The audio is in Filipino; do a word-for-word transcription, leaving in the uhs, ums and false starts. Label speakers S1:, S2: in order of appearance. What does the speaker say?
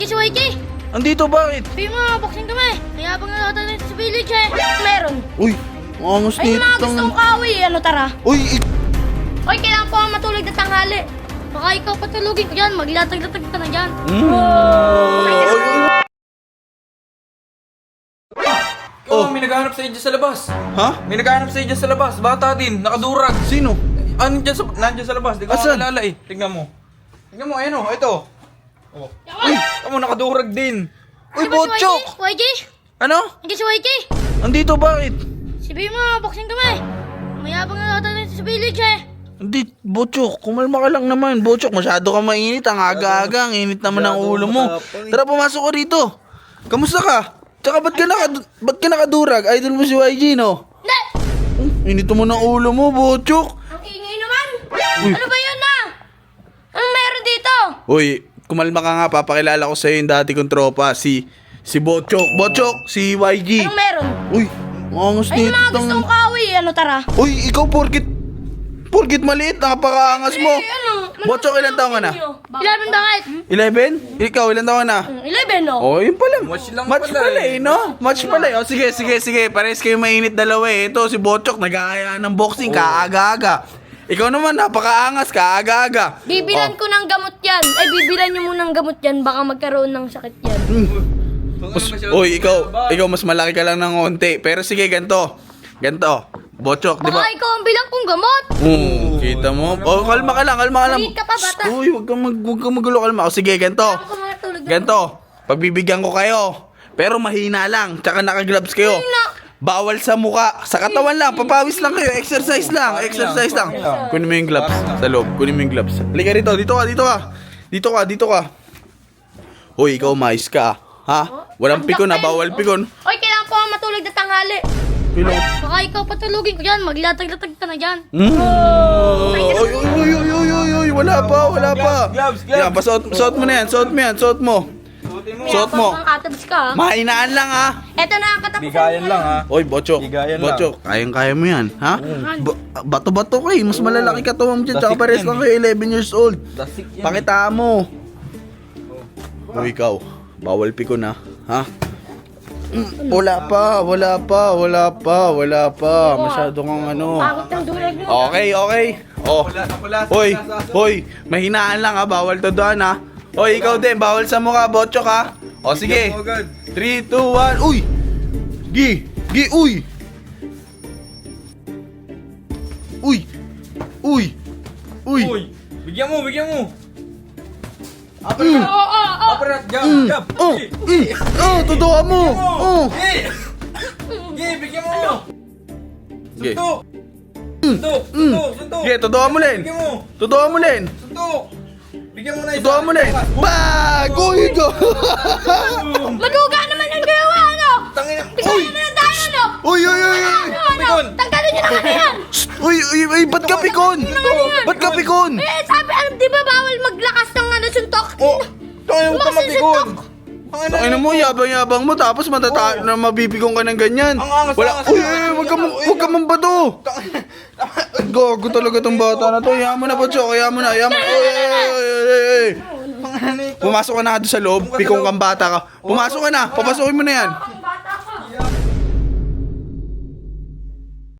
S1: Si Y K!
S2: Andito, bakit?
S1: Sabi mo, boxing kami. Kaya bang nakatalit sa village eh. Meron.
S2: Uy, ang angas
S1: Ay,
S2: nito.
S1: mga gustong kaaway eh. Ano tara?
S2: Uy, ik-
S1: Hoy, kailangan po ang matulog na tanghali. Baka ikaw patulogin ko dyan. Maglatag-latag ka na dyan.
S2: Mm.
S3: Oh, may naghahanap sa iyo dyan sa labas.
S2: Ha?
S3: May naghahanap sa iyo dyan sa labas. Bata din, nakadurag.
S2: Sino?
S3: Ano dyan sa, nandiyan sa labas? Di ko
S2: Asan?
S3: makalala eh. Tignan mo. Tignan mo, ayun o, ito. Oh. Uy, tamo nakadurag din.
S2: Uy,
S1: Ano ba si
S2: Botchok!
S1: Y K?
S2: Ano?
S1: Hindi si Y K.
S2: Andito, bakit?
S1: Sabi mo, boxing kami. Mayabang na nakatalit sa village eh.
S2: Hindi, Botchok, kumalma ka lang naman. Botchok, masyado ka mainit. Ang aga-aga, ang init naman ng ulo mo. Tara, pumasok ka rito. Kamusta ka? Tsaka ba't ka, naka, ba't ka nakadurag? Idol mo si Y G, no?
S1: Hindi!
S2: Hmm, init mo ng ulo mo, Botchok.
S1: Ang ingay naman! Ano ba yun na? Anong meron dito?
S2: Uy, kumalma ka nga. Papakilala ko sa'yo yung dati kong tropa. Si, si Botchok. Botchok, si Y G.
S1: Anong meron?
S2: Uy, ang angas
S1: Ay,
S2: nito.
S1: mga gustong kaaway eh. Ano tara?
S2: Uy, ikaw porkit, porkit maliit, napakaangas mo.
S1: Eh, ano?
S2: Botchok, ilan taong ka na?
S1: Eleven bakit?
S2: eleven? Ikaw, ilan taong ka na?
S1: Eleven, no?
S2: Oh, yun pala.
S3: Match lang
S2: Match
S3: pala
S2: pala
S3: eh.
S2: eh, no? Match pala eh. Oh, sige, sige, sige. Pares kayo mainit dalawa eh. Ito, si Botchok, nag-aaya ng boxing, kaaga-aga. Ikaw naman, napakaangas, kaaga-aga.
S1: Bibilan ko ng gamot yan. Ay, bibilan nyo muna ng gamot yan. Baka magkaroon ng sakit yan.
S2: Mas, uy, ikaw, ikaw mas malaki ka lang ng konti. Pero sige, ganto. Ganto. Botchok, di ba?
S1: Baka ikaw ang bilang kong gamot.
S2: Oo, kita mo. Oh, kalma ka lang, kalma ka lang.
S1: Maliit ka pa, bata.
S2: Uy, wag kang mag, wag kang magulo, kalma. O sige, ganto.
S1: Ako matulog.
S2: Ganto, pagbibigyan ko kayo. Pero mahina lang, tsaka naka-gloves kayo.
S1: Mahina.
S2: Bawal sa muka, sa katawan lang, papawis lang kayo, exercise lang, exercise lang. Kunin mo yung gloves sa loob, kunin mo yung gloves. Halika rito, dito ka, dito ka. Dito ka, dito ka. Hoy, ikaw mais ka, ha? Walang pikon na, bawal pikon.
S1: Hoy, kailangan po ang matulog na tanghali.
S2: Pilong.
S1: Baka ikaw patulogin ko dyan. Maglatag-latag ka na dyan.
S2: Mm. Oy, oy, oy, oy, oy, oy, oy, wala pa, wala pa.
S3: Gloves, gloves.
S2: Yan, pasuot, suot mo na yan, suot mo yan, suot mo.
S3: Suotin mo.
S2: Suot mo.
S1: Ang katabs ka, ha?
S2: Mahinaan lang, ha?
S1: Eto na ang katapusan.
S3: Bigayan lang ha.
S2: Oy, Botchok,
S3: Bigayan lang.
S2: Botchok, kayang-kaya mo yan, ha? Ba- Bato-bato ka eh, mas malalaki ka tuwam dyan, tsaka
S3: Dasik
S2: pares
S3: yan
S2: lang
S3: eh.
S2: kayo, eleven years old.
S3: Dasik yan.
S2: Pakita mo. O ikaw, bawal pikon na, ha? Mm, Wala pa, wala pa, wala pa, wala pa. Masyado kang ano.
S1: Pagod ng durag mo.
S2: Okay, okay. Oh.
S3: Wala na pala.
S2: Hoy, hoy, mahinaan lang ha, bawal to doon ha. Hoy, ikaw din, bawal sa mukha, Botchok ha. O sige.
S3: Bigyan mo agad.
S2: three, two, one, uy! Gi! Gi, uy! Uy! Uy! Uy!
S3: Uy, bigyan mo, bigyan mo.
S2: Mm.
S3: Uppercut.
S1: Oo, oo, oo.
S3: Uppercut, jab,
S2: Mm.
S3: jab.
S2: Oh! Mm. Oh, totoo mo! Oh!
S3: Eh. Eh, bigyan mo.
S2: Sige.
S3: Suntok. Suntok, suntok, suntok.
S2: Sige, totoo mo rin!
S3: Bigyan mo.
S2: Totoo mo rin!
S3: Suntok. Bigyan mo na isa.
S2: Totoo mo rin! Bag! Uy! Go!
S1: Maduga naman ang gawa, ano?
S3: Tangina.
S1: Tignan na lang tayo, ano?
S2: Uy, uy, uy, uy!
S1: Ano, ano?
S3: Pikon.
S1: Tanggalin nyo na kami yan.
S2: Uy, uy, uy, ba't ka pikon? Ba't ka pikon?
S1: Eh, sabi, alam, di ba bawal maglakas ng ano, suntok?
S3: Oh, tangina mo ka
S1: Lumakas yung
S3: mapikon.
S1: suntok.
S3: Ang ina
S2: Ano mo, yabang-yabang mo, tapos matata na mabibigong ka ng ganyan.
S3: Ang angas,
S2: Wala,
S3: angas,
S2: uy,
S3: angas.
S2: uy, wag ka, ma- wag ka mambato. Gago talaga tong bata na to. Hayaan mo na, Botchok, hayaan mo na, hayaan mo na. Uy, uy, uy, uy, uy, uy.
S3: Ang ina nito.
S2: Pumasok ka na doon sa loob, pikong kang bata ka. Pumasok ka na, papasukin mo na yan.